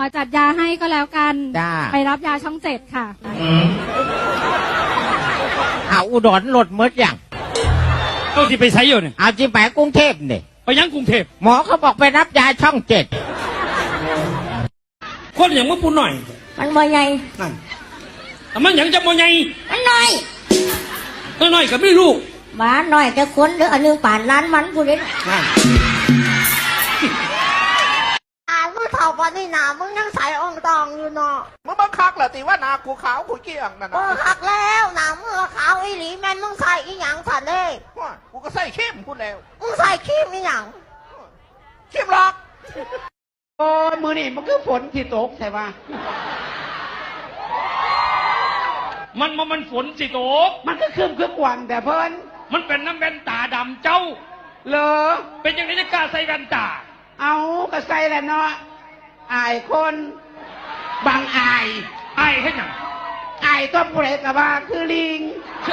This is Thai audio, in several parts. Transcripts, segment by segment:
จัดยาให้ก็แล้วกันไปรับยาช่อง7ค่ะเอาอุดรหลดมดอย่างเอาที่ไปใช้อยู่เนี่ยเอาที่ไปกรุงเทพเนี่ยไปยังกรุงเทพหมอเขาบอกไปรับยาช่อง7 คนอย่างมึงพูดหน่อยมันบ่ใหญ่นั่นแต่มันอย่างจะบ่ใหญ่มันน้อยน้อยก็ไม่รู้บ้าน้อยแต่คนเด้ออันนึงป่านล้านมันกูเลยมึงเท่าปานนี่นามึงยังใส่องตองอยู่เนาะมึงบังคักเหรอตีว่านากูขาวกูเกี่ยงนั่นนะคักแล้วนามึงขาวอีหลีแม่นมึงใส่อีหยังสันเด้กูก็ใส่เข้มกูแล้วมึงใส่ขี้มอีหยังเข้มหรอกโอ้มือนี่มันคือฝนที่ตกใช่ปะมันฝนสิตกมันก็คืมวันแต่เพิ่นมันเป็นน้ำแว่นตาดำเจ้าเหรอเป็นอย่างนี้จะกล้าใส่แว่นตาเอาก็ใส่แหละเนาะอายคนบางอายให้หยังอายตัวเปรตกับว่าคือลิง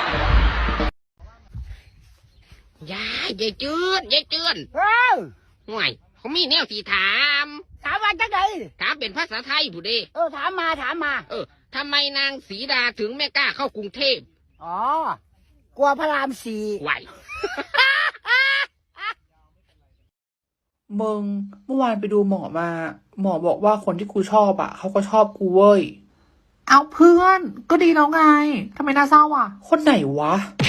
ยายจืดห่วยเขามีแนวที่ถามว่าจังไดถามเป็นภาษาไทยผู้เดถามมาทำไมนางศรีดาถึงไม่กล้าเข้ากรุงเทพกลัวพระราม4 ไหวมึงเมื่อวานไปดูหมอมาหมอบอกว่าคนที่กูชอบอ่ะเขาก็ชอบกูเว้ยเอาเพื่อนก็ดีแล้วไงทำไมน่าเศร้าอ่ะคนไหนวะ